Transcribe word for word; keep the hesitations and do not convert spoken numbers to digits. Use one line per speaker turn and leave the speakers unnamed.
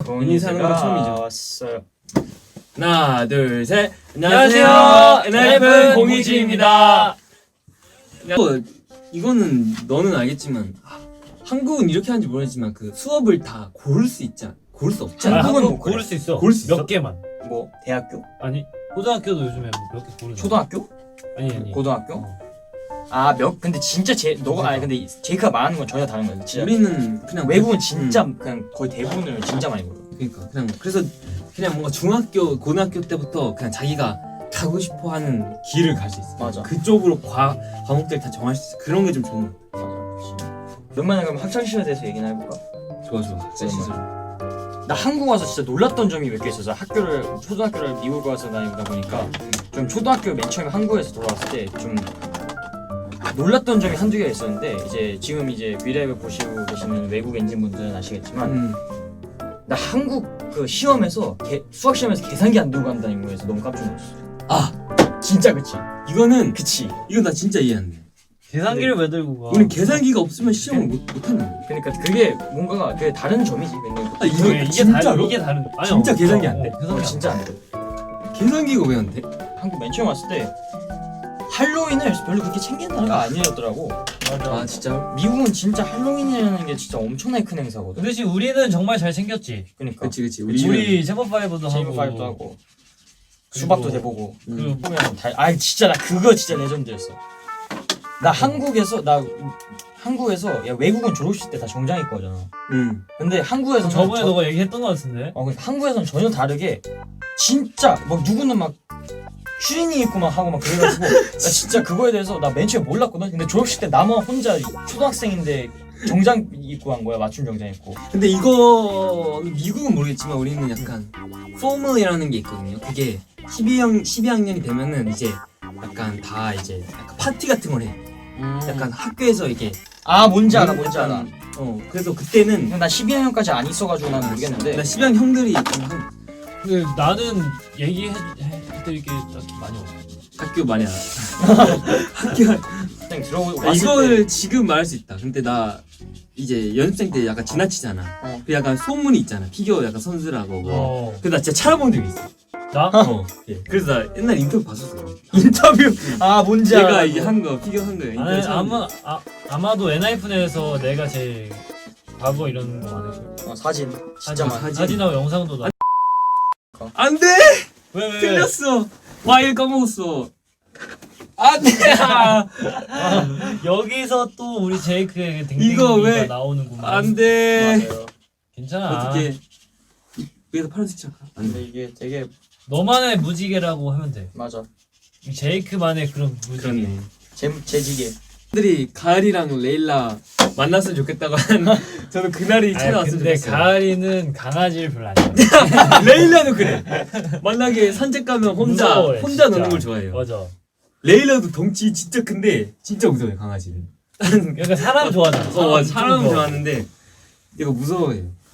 은희 사는 건 처음이죠.
왔어요.
하나, 둘, 셋.
안녕하세요. 엔하이픈 공이지입니다.
이거는 너는 알겠지만 한국은 이렇게 하는지 모르겠지만 그 수업을 다 고를 수 있지 않? 고를 수 없지 않아?
한국은
한국
못 그래.
고를 수 있어.
고를 수
몇
있어?
개만.
뭐 대학교?
아니 고등학교도 요즘에 몇 개 고르잖아.
초등학교?
아니 아니.
고등학교?
어.
아 몇 근데 진짜 제 너가 아니 근데 제이크가 말하는 건 전혀 다른 거야. 진짜
우리는 그냥
외국은 진짜
음.
그냥 거의 대부분을 진짜 많이 보여.
그러니까 그냥 그래서 그냥 뭔가 중학교 고등학교 때부터 그냥 자기가 가고 싶어하는 길을 갈 수 있어.
맞아.
그쪽으로 과 과목들 다 정할 수 있어. 그런 게 좀 좋은 거.
맞아. 오랜만에 그럼 학창 시절에 대해서 얘기나 해볼까?
좋아 좋아. 학생 시절.
나 한국 와서 진짜 놀랐던 점이 몇 개 있어서 학교를 초등학교를 미국 와서 다니다 보니까 좀 초등학교 맨 처음에 한국에서 돌아왔을 때 좀 놀랐던 점이 한두 개가 있었는데 이제 지금 이제 브이라이브 보시고 계시는 외국인진 분들은 아시겠지만
음.
나 한국 그 시험에서 개, 수학 시험에서 계산기 안 들고 간다는 거에서 너무 깜짝 놀랐어.
아
진짜 그치?
이거는
그치.
이건 나 진짜 이해 안 돼.
계산기를 왜 들고 가?
우린 계산기가 없으면 시험을 못 못하는 거야.
그러니까 그게 뭔가가 그게 다른 점이지. 근데
아 이거
이게, 이게
진짜로?
다른 이게 다른. 아니,
진짜
어,
계산기
어,
안 돼?
어,
어,
계산기
진짜 안 돼.
계산기가 왜 안 돼?
한국 맨 처음 왔을 때 할로윈을 별로 그렇게 챙긴다는 거 아니었더라고.
맞아.
아 진짜?
미국은 진짜 할로윈이라는 게 진짜 엄청나게 큰 행사거든.
그 대신 우리는 정말 잘 챙겼지.
그러니까
그치 그치.
우리,
우리
제버파이브도
제이브
하고.
파이브도 하고
그리고-
수박도 대보고
그
보면 다. 아 진짜 나 그거 진짜 레전드였어. 나 한국에서 나 한국에서 야 외국은 졸업식 때 다 정장 입고 하잖아.
응.
근데 한국에서는
저번에
저-
너가 얘기했던 것 같은데.
어 근데 한국에서는 전혀 다르게 진짜 막 누구는 막 추리닝 입고 막 하고 막 그래가지고 나 진짜 그거에 대해서 나 맨 처음에 몰랐거든. 근데 졸업식 때 나만 혼자 초등학생인데 정장 입고 한 거야. 맞춤 정장 입고.
근데 이거 미국은 모르겠지만 우리는 약간 포멀이라는 게 있거든요. 그게 십이 학 십이 학년이 되면은 이제 약간 다 이제 약간 파티 같은 걸 해. 약간 학교에서 이게
아 뭔지 알아 뭔지
약간,
알아.
어 그래서 그때는
근데 나 십이 학년까지 안 있어가지고 난 모르겠는데
나 십이 학년 형들이 좀 한-
근데 나는 얘기해드릴 게 딱히 많이 없어.
학교 많이 알아. 학교
그냥 들어보고
아,
왔을
이걸 지금 말할 수 있다. 근데 나 이제 연습생 때 약간 지나치잖아.
어.
그 약간 소문이 있잖아. 피겨 약간 선수라고. 뭐.
어.
그래서 나 진짜 찾아본 적이 있어.
나?
어. 예. 그래서 나 옛날 인터뷰 봤었어.
때 인터뷰 아 뭔지 알아.
얘가 이제 한 거 피겨 한 거. 인터뷰
아니,
찾아본
아마 아, 아마도 엔하이픈에서 내가 제일 과거 이런 거 많을 거야.
어, 사진 진짜
사진,
많아.
사진.
사진하고 영상도 나.
안 돼!
왜, 왜, 왜?
틀렸어. 와일 까먹었어. 안 돼! 아,
여기서 또 우리 제이크의
이거
댕댕이가
왜-
나오는구만.
안 돼.
맞아요.
괜찮아.
어떻게 위에서 파란색 칠까? 안
근데
돼.
이게 되게
너만의 무지개라고 하면 돼.
맞아.
이 제이크만의 그런 무지개.
그렇네.
제 재지게.
들이 가을이랑 레일라 만났으면 좋겠다고 한 저는 그날이
아니,
찾아왔으면
근데
좋겠어요.
가을이는 강아지를 별로 안 좋아해.
레일라도 그래. 만약에 산책 가면 혼자
무서워해,
혼자
진짜.
노는 걸 좋아해요.
맞아.
레일라도 덩치 진짜 큰데 진짜 무서워요 강아지는.
그러니까 사람 좋아하잖아.
어 맞아.
좀
사람은
더.
좋아하는데 얘가 무서워해요.